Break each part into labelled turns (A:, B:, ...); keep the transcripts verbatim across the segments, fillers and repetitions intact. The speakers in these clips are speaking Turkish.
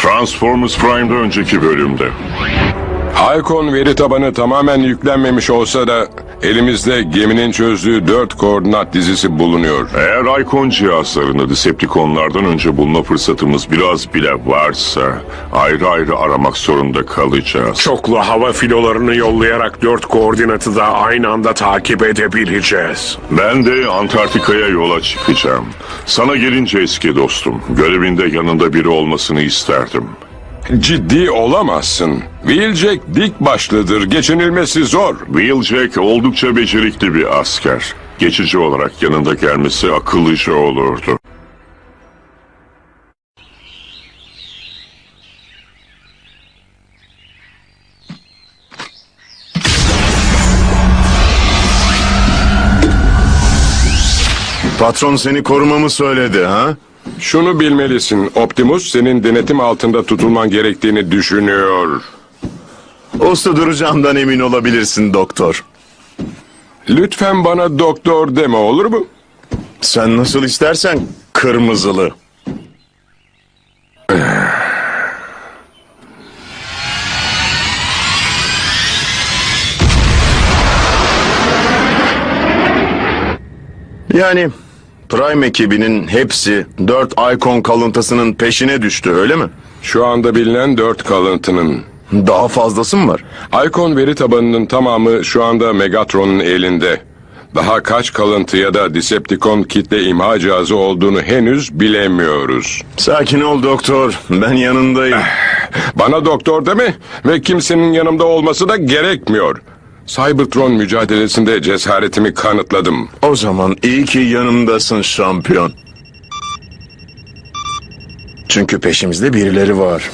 A: Transformers Prime'da önceki bölümde.
B: Icon veri tabanı tamamen yüklenmemiş olsa da elimizde geminin çözdüğü dört koordinat dizisi bulunuyor.
A: Eğer Icon cihazlarını Decepticonlardan önce bulma fırsatımız biraz bile varsa ayrı ayrı aramak zorunda kalacağız.
C: Çoklu hava filolarını yollayarak dört koordinatı da aynı anda takip edebileceğiz.
A: Ben de Antarktika'ya yola çıkacağım. Sana gelince eski dostum, görevinde yanında biri olmasını isterdim.
B: Ciddi olamazsın. Wheeljack dik başlıdır, geçinilmesi zor.
A: Wheeljack oldukça becerikli bir asker. Geçici olarak yanında gelmesi akıllıca olurdu.
D: Patron seni korumamı söyledi ha?
B: Şunu bilmelisin, Optimus senin denetim altında tutulman gerektiğini düşünüyor.
D: Usta duracağımdan emin olabilirsin doktor.
B: Lütfen bana doktor deme, olur mu?
D: Sen nasıl istersen kırmızılı. Yani Prime ekibinin hepsi dört Icon kalıntısının peşine düştü, öyle mi?
B: Şu anda bilinen dört kalıntının.
D: Daha fazlası mı var?
B: Icon veri tabanının tamamı şu anda Megatron'un elinde. Daha kaç kalıntı ya da Decepticon kitle imha cihazı olduğunu henüz bilemiyoruz.
D: Sakin ol doktor, ben yanındayım.
B: Bana doktor deme ve kimsenin yanımda olması da gerekmiyor. Cybertron mücadelesinde cesaretimi kanıtladım.
D: O zaman iyi ki yanımdasın şampiyon. Çünkü peşimizde birileri var.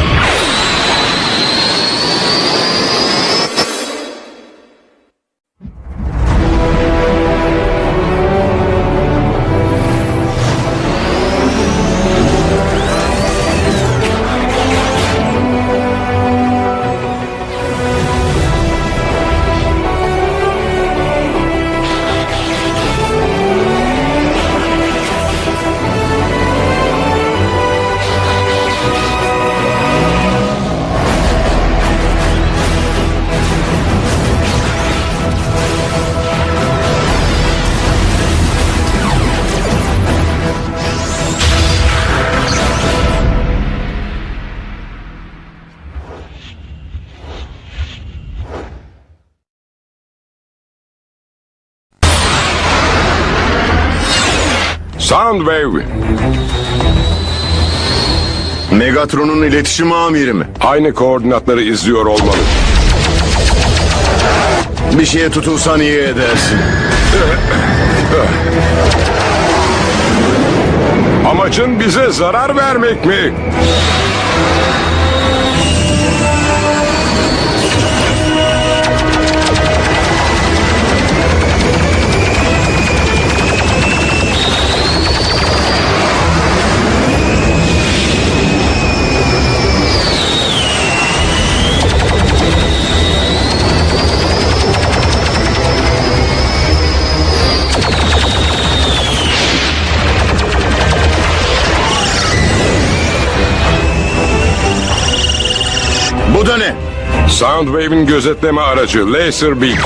B: Soundwave,
D: Megatron'un iletişim amiri mi?
B: aynı koordinatları izliyor olmalı.
D: Bir şeye tutulsan iyi edersin.
B: Amacın bize zarar vermek mi?
D: Bu da ne?
B: Soundwave'in gözetleme aracı Laserbeak.